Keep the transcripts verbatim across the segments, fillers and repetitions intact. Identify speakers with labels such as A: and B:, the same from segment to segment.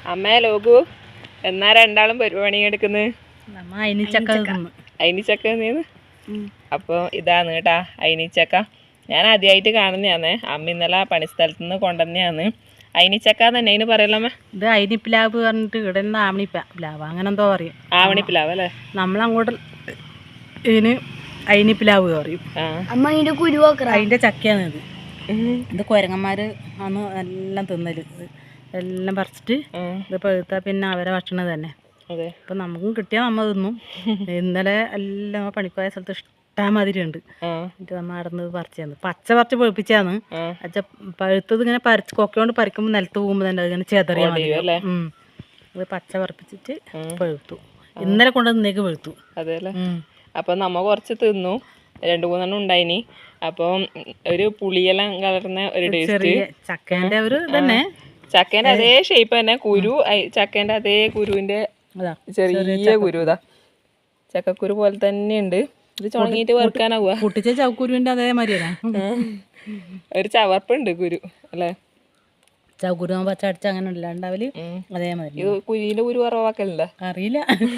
A: അമ്മ ലോകു എന്നാ രണ്ടാളും പണി എടുക്കുന്നത് അയിനിച്ചക്ക നീന്ന്. അപ്പോൾ ഇതാണ് കേട്ടാ അയിനിച്ചക്ക. ഞാൻ ആദ്യമായിട്ട് കാണുന്നതാണ്. അമ്മ ഇന്നലെ പണിസ്ഥലത്ത് നിന്ന് കൊണ്ടുവന്നെയാണ്. അയിനിച്ചക്ക തന്നെ അതിന് പറയലമ്മ.
B: ഇത് അയിനിപ്പിലാവ് പറഞ്ഞിട്ട് ഇവിടെ നിന്ന് ആവണിപ്പിലാവ് അങ്ങനെ എന്തോ പറയും.
A: ആവണിപ്പിലാവ് അല്ലേ?
B: നമ്മളങ്ങോട്ട് ഇതിന് അയിനിപ്പിലാവ് പറയും.
C: അമ്മ അതിന്റെ കുരു
B: അതിന്റെ ചക്കയാണ് ഇത്. ഇത് കുരങ്ങന്മാര് ആണ് എല്ലാം തിന്നല്. എല്ലാം പറിച്ചിട്ട് ഇത് പഴുത്താ പിന്നെ അവരെ ഭക്ഷണം തന്നെ. അപ്പൊ നമുക്കും കിട്ടിയാൽ നമ്മ തിന്നും. ഇന്നലെ എല്ലാം പണിക്കോയ സ്ഥലത്ത് ഇഷ്ടമാതിരി ഉണ്ട്. എന്നിട്ട് നമ്മ നടന്നത് പറിച്ചാന്ന് പച്ച പറിച്ച് പഴുപ്പിച്ചാന്ന്. അച്ഛ പഴുത്തത് ഇങ്ങനെ പറിച്ച് കൊക്കയോണ്ട് പറിക്കുമ്പോൾ നിലത്ത് പോകുമ്പോ തന്നെ അതിങ്ങനെ ചെതറിയാ മതി. ഉം അത് പച്ച പറിപ്പിച്ചിട്ട് പഴുത്തു. ഇന്നലെ കൊണ്ടുവന്നേക്ക് പഴുത്തു.
A: അതെല്ലേ. അപ്പൊ നമ്മ കുറച്ച് തിന്നു. രണ്ടു മൂന്നെണ്ണം ഉണ്ടായിനി. അപ്പം ഒരു പുളിയെല്ലാം കലർന്ന ഒരു ടേസ്റ്റ്.
B: ചക്കേന്റെ ഒരു തന്നെ
A: ചക്കേന്റെ അതേ ഷേപ്പ് തന്നെ. കുരു ചക്കേന്റെ അതേ കുരുവിന്റെ ചെറിയ കുരു ഇതാ ചക്കക്കുരു പോലെ തന്നെയുണ്ട്. ഇത് ചുണങ്ങിയിട്ട് വറുക്കാനാവുക.
B: പൊട്ടിച്ച ചവക്കുരുവിന്റെ അതേമാതിരി
A: ഒരു ചവർപ്പുണ്ട് കുരു അല്ലേ?
B: ചവക്കുരു പച്ച അടിച്ച അങ്ങനെ ഉണ്ടാവല് അതേമാതിരി.
A: ഇത് കുരുവിന്റെ കുരു കുറവാക്കലുണ്ടോ
B: അറിയില്ല.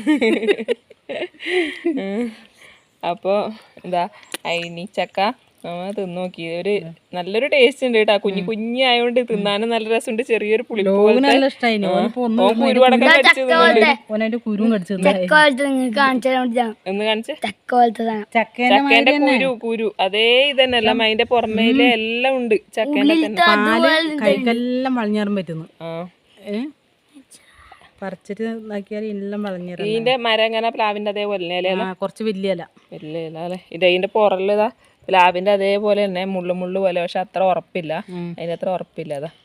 A: അപ്പോൾ എന്താ അയിനിച്ചക്ക നമ്മ തിന്നു നോക്കി. ഒരു നല്ലൊരു ടേസ്റ്റ് ഉണ്ട് കേട്ടാ. കുഞ്ഞു കുഞ്ഞായോണ്ട് തിന്നാനും നല്ല രസമുണ്ട്. ചെറിയൊരു പുളി
B: നല്ല ഇഷ്ടമായി.
A: കുരുവടക്കം
B: ഒന്ന്
A: കാണിച്ച് ചക്കേന്റെ കുരു കുരു അതേ ഇതന്നെയല്ല. അതിന്റെ പുറമേല് എല്ലാം ഉണ്ട്. ചക്കേന്റെ
B: കൈക്കെല്ലാം വളഞ്ഞേറാൻ പറ്റുന്നു. പറിച്ചിട്ട് നോക്കിയാൽ എല്ലാം വളഞ്ഞേറാം.
A: ഇതിന്റെ മരം എങ്ങനെ പ്ലാവിന്റെ അതേപോലെ
B: കുറച്ച് വലിയ ഇല
A: വലിയ ഇല അല്ലെ? ഇത് അതിന്റെ പുറലിതാ പ്ലാവിന്റെ അതേപോലെ തന്നെ മുള്ളു മുള്ളു പോലെ. പക്ഷെ അത്ര ഉറപ്പില്ല. അതിന്റെ അത്ര ഉറപ്പില്ല. അതാ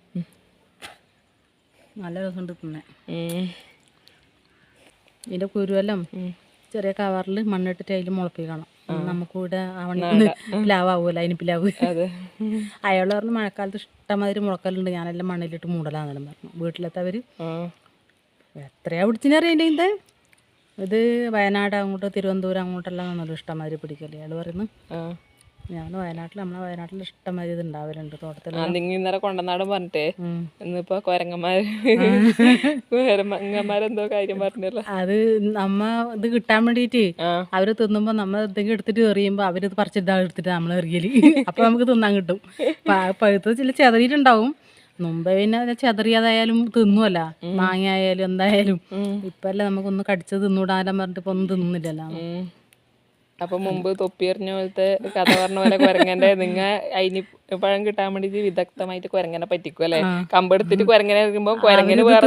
B: നല്ല രസമുണ്ട് തിന്നെ. ഇതിന്റെ കുരുവെല്ലാം ചെറിയ കവറിൽ മണ്ണിട്ടിട്ട് അതിൽ മുളപ്പിക്കണം. നമുക്കിവിടെ ആവണ പ്ലാവൂല അതിന് പ്ലാവ്. അയാൾ പറഞ്ഞ് മഴക്കാലത്ത് ഇഷ്ടമാതിരി മുളക്കലുണ്ട്. ഞാനെല്ലാം മണ്ണിലിട്ട് മൂടലാന്നെല്ലാം പറഞ്ഞു. വീട്ടിലെത്തവര് എത്രയാ പിടിച്ചിനറിയില്ല. ഇത് ഇത് വയനാട് അങ്ങോട്ട് തിരുവനന്തപുരം അങ്ങോട്ടെല്ലാം നല്ല ഇഷ്ടമാതിരി പിടിക്കല്ലേ അയാൾ പറയുന്നു. ഞാൻ വയനാട്ടിൽ നമ്മളെ വയനാട്ടിൽ ഇഷ്ടമാതിരി ഇത് ഉണ്ടാവലുണ്ട് തോട്ടത്തിൽ.
A: ഇന്നലെ കൊണ്ടനാടും പറഞ്ഞിട്ടേ ഇന്നിപ്പോ കൊരങ്ങന്മാര് കൊരങ്ങന്മാരെന്തോ കാര്യം പറഞ്ഞല്ലോ.
B: അത് നമ്മ ഇത് കിട്ടാൻ വേണ്ടിട്ട് അവര് തിന്നുമ്പോ നമ്മ എന്തെങ്കിലും എടുത്തിട്ട് എറിയുമ്പോ അവര് പറിച്ചിട്ട് എടുത്തിട്ട് നമ്മൾ എറിയല്. അപ്പൊ നമുക്ക് തിന്നാൻ കിട്ടും. പഴുത്തത് ചില ചെതറിയിട്ടുണ്ടാവും. മുമ്പേ പിന്നെ ചെതറിയതായാലും തിന്നുമല്ല. മാങ്ങ ആയാലും എന്തായാലും. ഇപ്പല്ലേ നമുക്കൊന്ന് കടിച്ച് തിന്നൂടാനും പറഞ്ഞിട്ട് ഇപ്പൊ ഒന്നും തിന്നുന്നില്ലല്ലോ.
A: അപ്പൊ മുമ്പ് തൊപ്പിയെറിഞ്ഞ പോലത്തെ കഥ പറഞ്ഞ പോലെ കൊരങ്ങന്റെ നിങ്ങ അയിനി പഴം കിട്ടാൻ വേണ്ടിട്ട് വിദഗ്ധമായിട്ട് കൊരങ്ങനെ പറ്റിക്കും അല്ലെ? കമ്പെടുത്തിട്ട് കൊരങ്ങനെ എറിയുമ്പോ കൊരങ്ങനെ വേറെ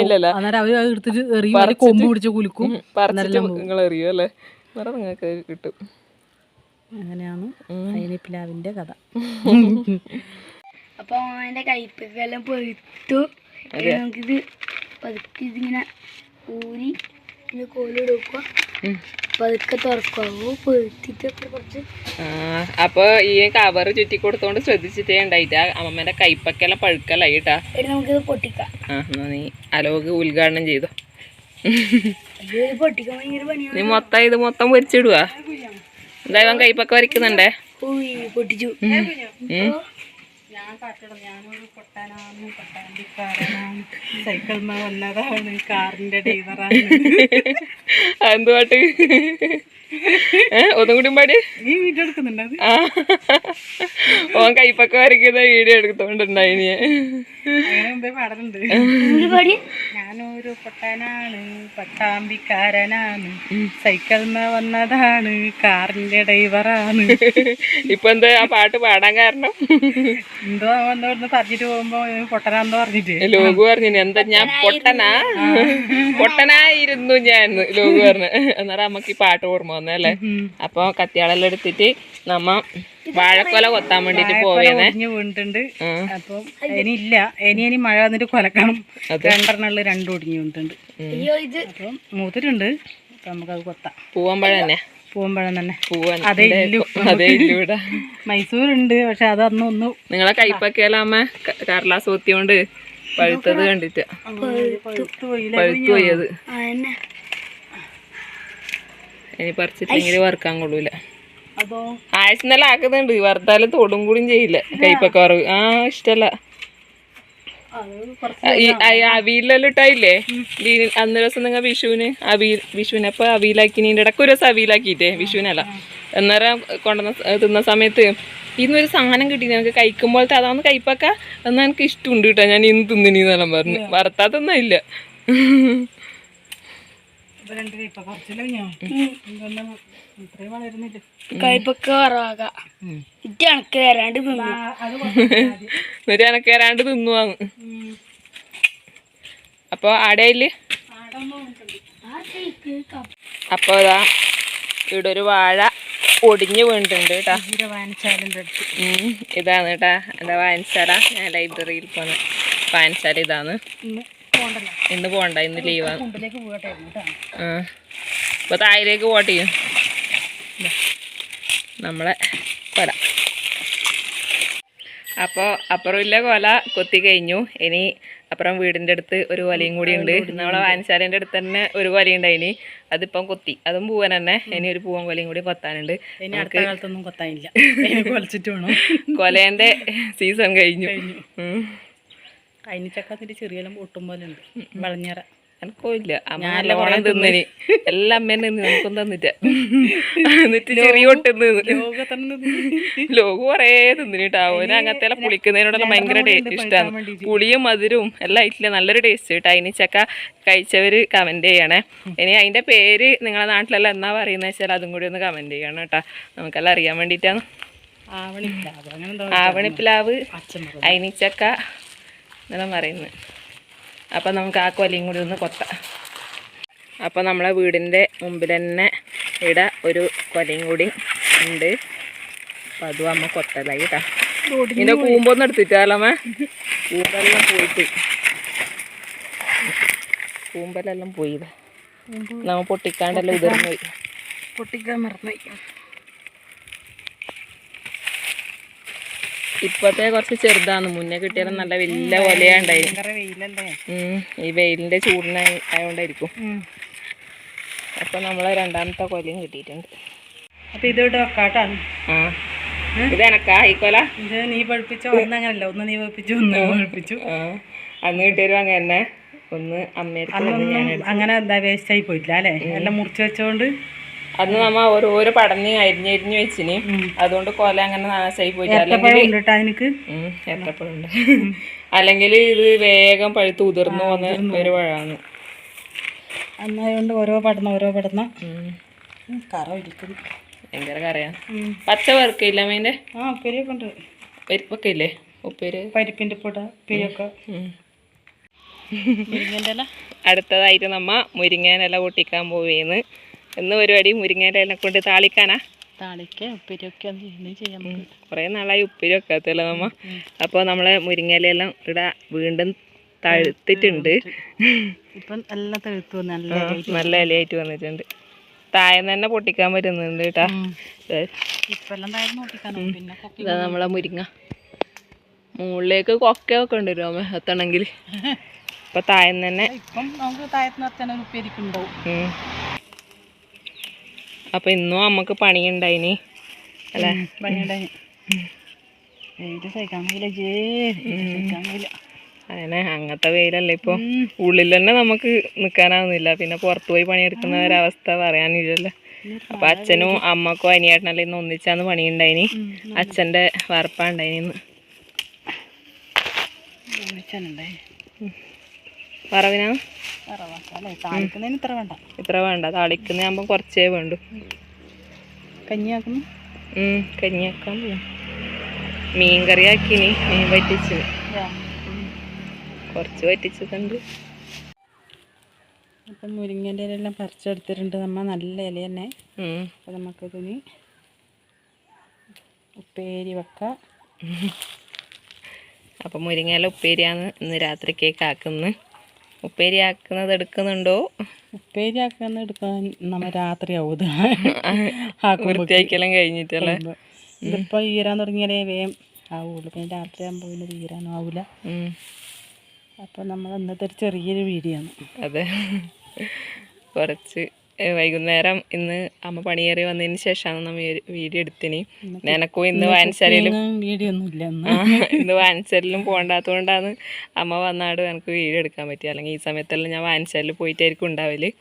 A: പറിച്ചിട്ട് നിങ്ങൾ എറിയും അല്ലെ? വേറെ നിങ്ങൾക്ക് കിട്ടും.
B: അങ്ങനെയാണ് അയിനിപ്പിലാവിന്റെ കഥ.
C: അപ്പൊ അതിന്റെ കയ്പെല്ലാം പൊഴുത്തു. നമുക്കിത് പതുക്കെ ഇതിങ്ങനെ ഊരി ഇതിന് കോലെടുക്കുക. പതുക്കെ തുറക്കാവൂ പൊഴുത്തിട്ടൊക്കെ കുറച്ച്.
A: അപ്പൊ ഈ കവർ ചുറ്റി കൊടുത്തോണ്ട് ശ്രദ്ധിച്ചിട്ടേ ഉണ്ടായിട്ടാ. അമ്മമ്മേന്റെ കൈപ്പൊക്കെല്ലാം പഴുക്കലായിട്ടാ.
C: നമുക്കിത് പൊട്ടിക്കാം.
A: ആ നീ അലോക് ഉദ്ഘാടനം ചെയ്തോ.
C: പൊട്ടിക്കാൻ ഭയങ്കര പണിയാണ്.
A: നീ മൊത്തം ഇത് മൊത്തം പൊരിച്ചിടുവാ. എന്തായാലും കൈപ്പൊക്കെ വരയ്ക്കുന്നുണ്ടേ.
C: പൊട്ടിച്ചു.
B: ഞാൻ കാട്ടണം. ഞാനൊരു പൊട്ടാനാണ് പൊട്ടാണ്ടിക്കാരനാണ്. സൈക്കിൾമ വന്നതാണ് കാറിന്റെ ഡ്രൈവറാണ്.
A: എന്ത് പാട്ട്? ഒന്നും കൂടി പാടി.
B: ഈ വീഡിയോ എടുക്കുന്നുണ്ട്.
A: ഓൻ കൈപ്പൊക്കെ വരയ്ക്കുന്ന വീഡിയോ എടുത്തോണ്ടുണ്ടായിനി.
B: അങ്ങനെ മുമ്പേ പാടലുണ്ട്. ഞാനൊരു പൊട്ടാനാണ് പട്ടാമ്പിക്കാരനാണ്. സൈക്കിൾമ വന്നതാണ് കാറിന്റെ ഡ്രൈവറാണ്.
A: ഇപ്പൊ എന്താ ആ പാട്ട് പാടാൻ കാരണം?
B: എന്തോ എന്തോന്ന് പറഞ്ഞിട്ട് പോകുമ്പോ പൊട്ടനാന്ന് പറഞ്ഞിട്ട്
A: ലോകു പറഞ്ഞു. എന്താ ഞാൻ പൊട്ടനാ പൊട്ടനായിരുന്നു ഞാൻ ലോകു പറഞ്ഞു. എന്നാലും നമുക്ക് ഈ പാട്ട് ഓർമ്മ വന്നല്ലേ. അപ്പൊ കത്തിയാളെല്ലാം എടുത്തിട്ട് നമ്മ വാഴക്കൊല കൊത്താൻ വേണ്ടിട്ട് പോവേനെ
B: വീണിട്ടുണ്ട്. അപ്പം ഇനി ഇല്ല. ഇനി ഇനി മഴ വന്നിട്ട് കൊലക്കണം. രണ്ടെണ്ണുള്ള രണ്ടും ഒടിഞ്ഞു വീണിട്ടുണ്ട്. അപ്പം മൂത്തിട്ടുണ്ട്. അപ്പൊ നമുക്കത് കൊത്താം.
A: പൂവമ്പഴം തന്നെ
B: പൂവമ്പഴം തന്നെ
A: പൂവൻ
B: അതേ ഇല്ലു
A: അതേ ഇല്ലൂടെ
B: മൈസൂരുണ്ട്. പക്ഷെ അതൊന്നും ഒന്നും
A: നിങ്ങളെ കൈപ്പൊക്കെയല്ല അമ്മ കടലാസ് കൊത്തിയോണ്ട് പഴുത്തത് കണ്ടിട്ട് പഴുത്തു പോയത്. ഇനി പറിച്ചിട്ടെങ്കിൽ വറുക്കാൻ കൊള്ളൂല. ആഴ്ചന്നെല്ലാം ആക്കുന്നുണ്ട്. വറുത്താലും തൊടും കൂടിയും ചെയ്യില്ല. കൈപ്പൊക്കെ വറവ് ആ ഇഷ്ടല്ല.
B: അത് കുറച്ച്
A: ഈ അവിയിലെല്ലാം ഇട്ടായില്ലേ അന്ന് ദിവസം നിങ്ങൾ വിഷുവിന് അവിയൽ വിഷുവിനപ്പൊ അവിയിലാക്കിനീൻ്റെ ഇടയ്ക്ക് ഒരു ദിവസം അവിയിലാക്കിയിട്ടേ വിഷുവിനല്ല അന്നേരം കൊണ്ടുവന്ന തിന്ന സമയത്ത് ഇന്നൊരു സാധനം കിട്ടി ഞങ്ങൾക്ക് കഴിക്കുമ്പോഴത്തെ അതാന്ന് കയ്പക്ക എന്നാൽ എനിക്ക് ഇഷ്ടമുണ്ട് കേട്ടോ ഞാൻ ഇന്ന് തിന്നിനെന്നെല്ലാം പറഞ്ഞു വറുത്താ തിന്നില്ല
B: രണ്ട് കയ്പ കുറച്ചില്ല ഇത്രയും വളരുന്നില്ല
C: കയ്പൊക്കെ കുറവാക ഇത് കണക്ക് തരാണ്ട് തിന്നു
A: എന്നിട്ട് എനക്ക് തരാണ്ട് തിന്നുവാന്ന് അപ്പോൾ ആടയില് അപ്പോൾ അതാ ഇവിടെ ഒരു വാഴ ഒടിഞ്ഞു വീണിട്ടുണ്ട് കേട്ടാ
B: വായനശാലിൻ്റെ അടുത്ത്
A: ഇതാണ് കേട്ടാ എന്താ വായനശാല ഞാൻ ലൈബ്രറിയിൽ പോന്ന് വായനശാല ഇതാണ് ഇന്ന് പോകണ്ട ഇന്ന് ലീവാണ്
B: കുണ്ടിലേക്ക് പോകട്ടായിരുന്നു കേട്ടോ
A: ആ അപ്പോൾ താഴേക്ക് പോട്ടെ ചെയ്യും നമ്മളെ കൊല അപ്പോൾ അപ്പുറമില്ല കൊല കൊത്തി കഴിഞ്ഞു ഇനി അപ്പുറം വീടിൻ്റെ അടുത്ത് ഒരു കൊലയും കൂടി ഉണ്ട് നമ്മളെ വായനശാലേൻ്റെ അടുത്ത് തന്നെ ഒരു കൊലയുണ്ടായിനി അതിപ്പം കൊത്തി അതും പൂവൻ തന്നെ ഇനി ഒരു പൂവൻ കൊലയും കൂടി കൊത്താനുണ്ട്
B: ഇനി അടുത്ത കാലത്തൊന്നും കൊത്താനില്ല കൊലച്ചിട്ട് വേണം
A: കൊലേൻ്റെ സീസൺ കഴിഞ്ഞു
B: കൈനിച്ചക്കത്തിൻ്റെ ചെറിയെല്ലാം പൊട്ടും പോലെ ഉണ്ട് വളഞ്ഞറ
A: എനിക്കോ ഇല്ല അമ്മ നല്ല ഓണം തിന്നിന് എല്ലാം അമ്മേനെ തിന്ന് നമുക്കും തന്നിട്ട് എന്നിട്ട് ചെറിയ ഒട്ടുന്ന് ലോകം കുറേ തിന്നിട്ടാ ഓന് അങ്ങനത്തെ പുളിക്കുന്നതിനോടുള്ള ഭയങ്കര ഇഷ്ടമാണ് പുളിയും മധുരവും എല്ലാം ആയിട്ടില്ല നല്ലൊരു ടേസ്റ്റ് കേട്ടോ അതിന് ചക്ക കഴിച്ചവര് കമന്റ് ചെയ്യണേ ഇനി അതിന്റെ പേര് നിങ്ങളെ നാട്ടിലെല്ലാം എന്നാ പറയുന്നത് വെച്ചാൽ അതും കൂടി ഒന്ന് കമന്റ് ചെയ്യണം കേട്ടോ നമുക്കെല്ലാം അറിയാൻ വേണ്ടിയിട്ടാണ് ആവണിപ്പിലാവ് അയിനിച്ചക്ക എന്നെല്ലാം പറയുന്നത് അപ്പം നമുക്ക് ആ കൊലയും കൂടി ഒന്ന് കൊത്താം അപ്പം നമ്മളെ വീടിൻ്റെ മുമ്പിൽ തന്നെ ഇവിടെ ഒരു കൊലയും കൂടി ഉണ്ട് അപ്പം അതും അമ്മ കൊത്തലായി കേട്ടാ ഇതിൻ്റെ കൂമ്പൊന്നും എടുത്തിട്ടാലമ്മ കൂമ്പെല്ലാം പോയിട്ട് കൂമ്പലെല്ലാം പോയി നമ്മ പൊട്ടിക്കാണ്ടെല്ലാം ഉതിർന്നു പോയി
B: പൊട്ടിക്കാൻ മറന്നു
A: ഇപ്പത്തെ കുറച്ച് ചെറുതാണ് മുന്നേ കിട്ടിയാലും നല്ല വലിയ കൊലയുണ്ടായിരുന്നു ഈ വെയിലിന്റെ ചൂടിന് ആയതുകൊണ്ടായിരിക്കും അപ്പൊ നമ്മളെ രണ്ടാമത്തെ കൊലയും കിട്ടിയിട്ടുണ്ട്
B: അപ്പൊ ഇതോട്ട് വെക്കാട്ടാണ്
A: ആ ഇത് എനക്കാ ഈ കൊല
B: ഇത് നീ പഠിപ്പിച്ചോ ഒന്ന് അങ്ങനല്ല ഒന്ന് നീ പഠിപ്പിച്ചു ഒന്ന് പഠിപ്പിച്ചു
A: ആ അന്ന് കിട്ടിയരും അങ്ങനെ തന്നെ ഒന്ന് അമ്മേർക്ക്
B: അങ്ങനെ എന്താ വേസ്റ്റ് ആയി പോയിട്ടില്ല അല്ലേ എല്ലാം മുറിച്ച് വെച്ചോണ്ട്
A: അന്ന് നമ്മ ഓരോരോ പടഞ്ഞ് അരിഞ്ഞരിഞ്ഞ് വെച്ചിന് അതുകൊണ്ട് കൊല അങ്ങനെ നാശമായി പോയിട്ട് അല്ലെങ്കിൽ ഏത്തപ്പഴുണ്ട് അല്ലെങ്കിൽ ഇത് വേഗം പഴുത്ത് ഉതിർന്നു പോകുന്ന ഒരു പഴമാണ്
B: അന്നായതുകൊണ്ട് ഓരോ പടന്ന ഓരോ പടന്ന കറ ഇരിക്കുന്നു
A: ഭയങ്കര കറയാ പച്ച വറുക്കില്ല അമ്മേൻ്റെ
B: ആ ഉപ്പേരിയൊക്കെ ഉണ്ട്
A: പരിപ്പൊക്കെ ഇല്ലേ ഉപ്പേര്
B: പരിപ്പിൻ്റെ പൊട ഉപ്പേരിയൊക്കെ മുരിങ്ങേൻ്റെ ഇല
A: അടുത്തതായിട്ട് നമ്മ മുരിങ്ങേൻ്റെ ഇല പൊട്ടിക്കാൻ പോവേന്ന് എന്ന് പരിപാടി മുരിങ്ങേൻ്റെ ഇല കൊണ്ട് താളിക്കാനാ
B: താളിക്ക ഉപ്പേരിയൊക്കെ ചെയ്യാൻ
A: കുറേ നാളായി ഉപ്പേരി വെക്കാത്തല്ലോ നമ്മ അപ്പോൾ നമ്മളെ മുരിങ്ങയിലെല്ലാം ഇവിടെ വീണ്ടും തഴുത്തിട്ടുണ്ട്
B: ഇപ്പം എല്ലാം തഴുത്തു നല്ല
A: നല്ല ഇലയായിട്ട് വന്നിട്ടുണ്ട് താഴെ തന്നെ പൊട്ടിക്കാൻ പറ്റുന്നുണ്ട് കേട്ടാ ഇതാ നമ്മളെ മുരിങ്ങ മുകളിലേക്ക് കൊക്കയൊക്കെ ഉണ്ട് രോമ എത്തണമെങ്കിൽ ഇപ്പൊ താഴെ തന്നെ
B: ഇപ്പം നമുക്ക് താഴത്ത് നിർത്താൻ ഉപ്പേരിക്കുണ്ടാവും
A: അപ്പൊ ഇന്നും അമ്മക്ക് പണിയുണ്ടായിനി അല്ലേ
B: പണിയുണ്ടായി സഹിക്കാൻ കഴിയില്ല
A: അങ്ങനെ അങ്ങനത്തെ വെയിലല്ലേ ഇപ്പൊ ഉള്ളിൽ തന്നെ നമുക്ക് നിക്കാനാവുന്നില്ല പിന്നെ പുറത്തു പോയി പണിയെടുക്കുന്ന ഒരവസ്ഥ പറയാനില്ലല്ലോ അപ്പൊ അച്ഛനും അമ്മക്കും അനിയേട്ടനെല്ലാം ഇന്ന് ഒന്നിച്ചാന്ന് പണിയുണ്ടായിനി അച്ഛന്റെ വറപ്പാണ്ടായിനി വറവിനാ
B: ഇത്ര വേണ്ട
A: ഇത്ര വേണ്ട താളിക്കുന്നതാകുമ്പോ കുറച്ചേ വേണ്ടു
B: കഞ്ഞിയാക്കുന്നു
A: കഞ്ഞിയാക്കാൻ പോകും മീൻ കറി ആക്കിനി മീൻ വറ്റിച്ച് കുറച്ച് വറ്റിച്ചതുണ്ട്
B: അപ്പം മുരിങ്ങേൻ്റെ ഇലയെല്ലാം പറിച്ചെടുത്തിട്ടുണ്ട് നമ്മ നല്ല ഇല തന്നെ അപ്പം നമുക്കിതിന് ഉപ്പേരി വെക്കാം
A: അപ്പം മുരിങ്ങയില ഉപ്പേരിയാണ് ഇന്ന് രാത്രിക്കേക്ക് ആക്കുന്നത് ഉപ്പേരി ആക്കുന്നത് എടുക്കുന്നുണ്ടോ
B: ഉപ്പേരി ആക്കുന്ന എടുക്കാൻ നമ്മ രാത്രി ആവും
A: വൃത്തിയാക്കിയെല്ലാം കഴിഞ്ഞിട്ടല്ലേ
B: ഇതിപ്പോൾ ഈരാൻ തുടങ്ങിയാലേ വേഗം ആവുള്ളൂ പിന്നെ രാത്രി ആകുമ്പോൾ പിന്നെ ഈരാനും ആവില്ല അപ്പം നമ്മൾ ഇന്നത്തെ ഒരു ചെറിയൊരു വീഡിയോ ആണ്
A: അതെ കുറച്ച് വൈകുന്നേരം ഇന്ന് അമ്മ പണിയേറി വന്നതിന് ശേഷമാണ് നമ്മൾ വീഡിയോ എടുത്തിന്. എനക്കും ഇന്ന് വായനശാലയിലും
B: വീഡിയോ ഒന്നും ഇല്ല
A: ഇന്ന് വായനശാലയിലും പോകണ്ടാത്തതുകൊണ്ടാണ് അമ്മ വന്നാട് എനിക്ക് വീഡിയോ എടുക്കാൻ പറ്റിയത്. അല്ലെങ്കിൽ ഈ സമയത്തെല്ലാം ഞാൻ വായനശാലയിൽ പോയിട്ടായിരിക്കും ഉണ്ടാവല്.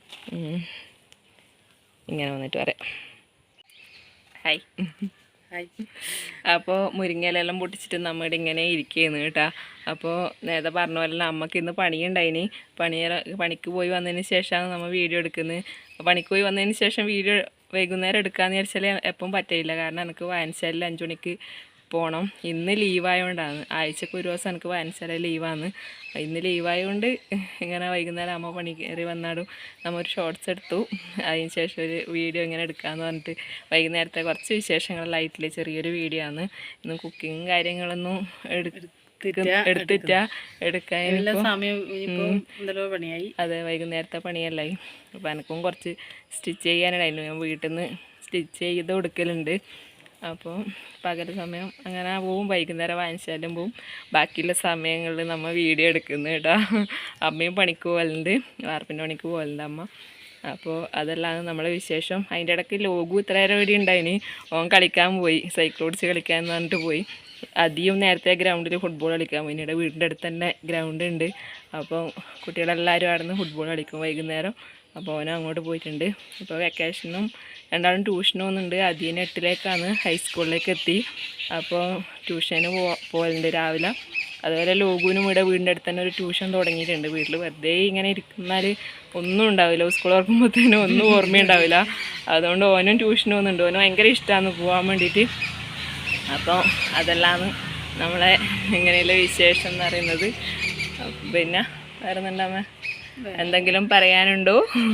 A: ഇങ്ങനെ വന്നിട്ട് പറയാം ഹായ്
B: ഹായ്.
A: അപ്പോൾ മുരിങ്ങയിലെല്ലാം പൊട്ടിച്ചിട്ട് നമ്മുടെ ഇങ്ങനെ ഇരിക്കുകയെന്ന് കേട്ടാ. അപ്പോൾ നേരത്തെ പറഞ്ഞ പോലെ അമ്മക്ക് ഇന്ന് പണിയുണ്ടായിന്. പണി പണിക്ക് പോയി വന്നതിന് ശേഷമാണ് നമ്മൾ വീഡിയോ എടുക്കുന്നത്. പണിക്ക് പോയി വന്നതിന് ശേഷം വീഡിയോ വൈകുന്നേരം എടുക്കാമെന്ന് വിചാരിച്ചാൽ എപ്പം പറ്റില്ല. കാരണം എനിക്ക് വായനശാലയിൽ അഞ്ച് മണിക്ക് പോകണം. ഇന്ന് ലീവായതുകൊണ്ടാണ്. ആഴ്ചക്ക് ഒരു ദിവസം എനിക്ക് വായനശാല ലീവാണ്. ഇന്ന് ലീവായതുകൊണ്ട് ഇങ്ങനെ വൈകുന്നേരം അമ്മ പണി കയറി വന്നാടും നമ്മൾ ഒരു ഷോർട്സ് എടുത്തു. അതിന് ശേഷം ഒരു വീഡിയോ ഇങ്ങനെ എടുക്കാമെന്ന് പറഞ്ഞിട്ട് വൈകുന്നേരത്തെ കുറച്ച് വിശേഷങ്ങളിലായിട്ടില്ല, ചെറിയൊരു വീഡിയോ ആണ്. ഇന്ന് കുക്കിങ്ങും കാര്യങ്ങളൊന്നും എടുത്തിട്ട എടുക്കാൻ
B: പണിയായി.
A: അതെ, വൈകുന്നേരത്തെ പണിയല്ലായി. അപ്പോൾ എനിക്കും കുറച്ച് സ്റ്റിച്ച് ചെയ്യാനുണ്ടായിരുന്നു. ഞാൻ വീട്ടിൽ നിന്ന് സ്റ്റിച്ച് ചെയ്ത് കൊടുക്കലുണ്ട്. അപ്പോൾ പകൽ സമയം അങ്ങനെ പോവും, വൈകുന്നേരം വായനശാലയും പോവും. ബാക്കിയുള്ള സമയങ്ങളിൽ നമ്മൾ വീഡിയോ എടുക്കുന്നു കേട്ടോ. അമ്മയും പണിക്ക് പോകലുണ്ട്, വാർപ്പിൻ്റെ പണിക്ക് പോകലുണ്ട് അമ്മ. അപ്പോൾ അതെല്ലാം നമ്മളെ വിശേഷം. അതിൻ്റെ ഇടയ്ക്ക് ലോഗു ഇത്ര നേരം ഇവിടെ ഉണ്ടായിന്. ഓൻ കളിക്കാൻ പോയി, സൈക്കിൾ ഓടിച്ച് കളിക്കാൻ എന്ന് പറഞ്ഞിട്ട് പോയി. അധികം നേരത്തെ ഗ്രൗണ്ടിൽ ഫുട്ബോൾ കളിക്കാൻ പോയി. ഇവിടെ വീടിൻ്റെ അടുത്ത് തന്നെ ഗ്രൗണ്ട് ഉണ്ട്. അപ്പോൾ കുട്ടികളെല്ലാവരും അവിടെ നിന്ന് ഫുട്ബോൾ കളിക്കും വൈകുന്നേരം. അപ്പോൾ ഓനും അങ്ങോട്ട് പോയിട്ടുണ്ട്. ഇപ്പോൾ വെക്കേഷനും രണ്ടാളും ട്യൂഷനും ഒന്നുണ്ട്. അതിന് എട്ടിലേക്കാണ്, ഹൈസ്കൂളിലേക്ക് എത്തി. അപ്പോൾ ട്യൂഷന് പോ പോകലുണ്ട് രാവിലെ. അതുപോലെ ലോഗുവിനും ഇവിടെ വീടിൻ്റെ അടുത്ത് തന്നെ ഒരു ട്യൂഷൻ തുടങ്ങിയിട്ടുണ്ട്. വീട്ടിൽ വെറുതെ ഇങ്ങനെ ഇരിക്കുന്നാൽ ഒന്നും ഉണ്ടാവില്ല, സ്കൂൾ തുറക്കുമ്പോഴത്തേനും ഒന്നും ഓർമ്മയുണ്ടാവില്ല. അതുകൊണ്ട് ഓനും ട്യൂഷനും ഒന്നുണ്ട്. ഓനും ഭയങ്കര ഇഷ്ടമാണ് പോകാൻ വേണ്ടിയിട്ട്. അപ്പോൾ അതെല്ലാം നമ്മളെ ഇങ്ങനെയുള്ള വിശേഷം എന്ന് പറയുന്നത്. പിന്നെ വേറെ എന്താ എന്തെങ്കിലും പറയാനുണ്ടോ?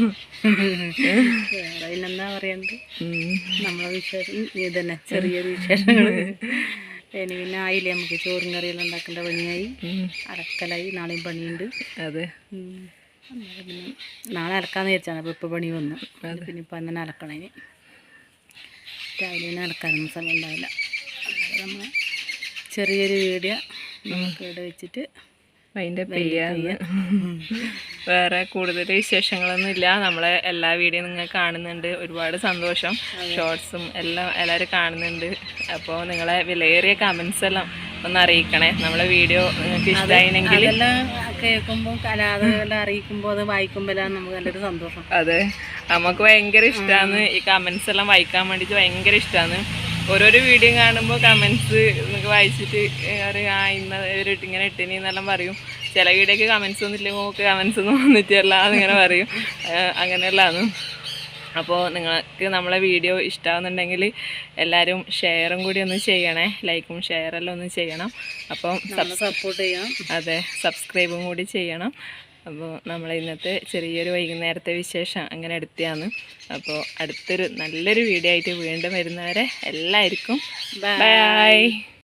B: അതിനെന്താ പറയുന്നത്, നമ്മളെ വിശേഷം ഇതന്നെ, ചെറിയൊരു വിശേഷങ്ങൾ. ഇനി പിന്നെ ആയില്ലേ, നമുക്ക് ചോറും കറിയെല്ലാം ഉണ്ടാക്കേണ്ട പണിയായി, അലക്കലായി. നാളെയും പണിയുണ്ട്.
A: അതെ,
B: പിന്നെ നാളെ അലക്കാന്ന് വിചാരിച്ചാണ്. അപ്പോൾ ഇപ്പോൾ പണി വന്നു. പിന്നെ ഇപ്പം അങ്ങനെ അലക്കണം. ഇനി രാവിലെ തന്നെ അലക്കാനൊന്നും സമയം ഉണ്ടാവില്ല. നമ്മൾ ചെറിയൊരു വീഡിയോ നമുക്ക് ഇവിടെ വെച്ചിട്ട്
A: അതിൻ്റെ പെയ്യാന്ന്. വേറെ കൂടുതൽ വിശേഷങ്ങളൊന്നും ഇല്ല. നമ്മളെ എല്ലാ വീഡിയോ നിങ്ങൾ കാണുന്നുണ്ട്, ഒരുപാട് സന്തോഷം. ഷോർട്സും എല്ലാം എല്ലാവരും കാണുന്നുണ്ട്. അപ്പോൾ നിങ്ങളെ വിലയേറിയ കമൻസ് എല്ലാം ഒന്ന് അറിയിക്കണേ. നമ്മളെ വീഡിയോ നിങ്ങൾക്ക് ഇഷ്ടമായില്ലെങ്കിൽ
B: അതെല്ലാം കേൾക്കുമ്പോൾ കലാതെല്ലാം അറിയിക്കുമ്പോൾ അത് വായിക്കുമ്പോഴാണ് നമുക്ക് നല്ലൊരു സന്തോഷം.
A: അതെ, നമുക്ക് ഭയങ്കര ഇഷ്ടമാണ് ഈ കമൻസ് എല്ലാം വായിക്കാൻ വേണ്ടിയിട്ട്. ഭയങ്കര ഇഷ്ടമാണ്. ഓരോരോ വീഡിയോ കാണുമ്പോൾ കമൻസ് നിങ്ങൾക്ക് വായിച്ചിട്ട് അറിയാം, ആ ഇന്ന ഒരു ഇങ്ങനെ ഇട്ടിനി എന്നെല്ലാം പറയും. ചില വീഡിയോക്ക് കമൻസ് ഒന്നും ഇല്ലെങ്കിൽ നമുക്ക് കമൻസ് ഒന്നും വന്നിട്ടില്ല എന്നിങ്ങനെ പറയും. അങ്ങനെയുള്ളതാണ്. അപ്പോൾ നിങ്ങൾക്ക് നമ്മളെ വീഡിയോ ഇഷ്ടമാകുന്നുണ്ടെങ്കിൽ എല്ലാവരും ഷെയറും കൂടി ഒന്ന് ചെയ്യണേ. ലൈക്കും ഷെയറെല്ലാം ഒന്ന് ചെയ്യണം. അപ്പം
B: സപ്പോർട്ട് ചെയ്യണം.
A: അതെ, സബ്സ്ക്രൈബും കൂടി ചെയ്യണം. അപ്പോൾ നമ്മൾ ഇന്നത്തെ ചെറിയൊരു വൈകുന്നേരത്തെ വിശേഷം അങ്ങനെ എടുത്തതാണ്. അപ്പോൾ അടുത്തൊരു നല്ലൊരു വീഡിയോ ആയിട്ട് വീണ്ടും വരുന്നവരെ എല്ലാവർക്കും ബൈ.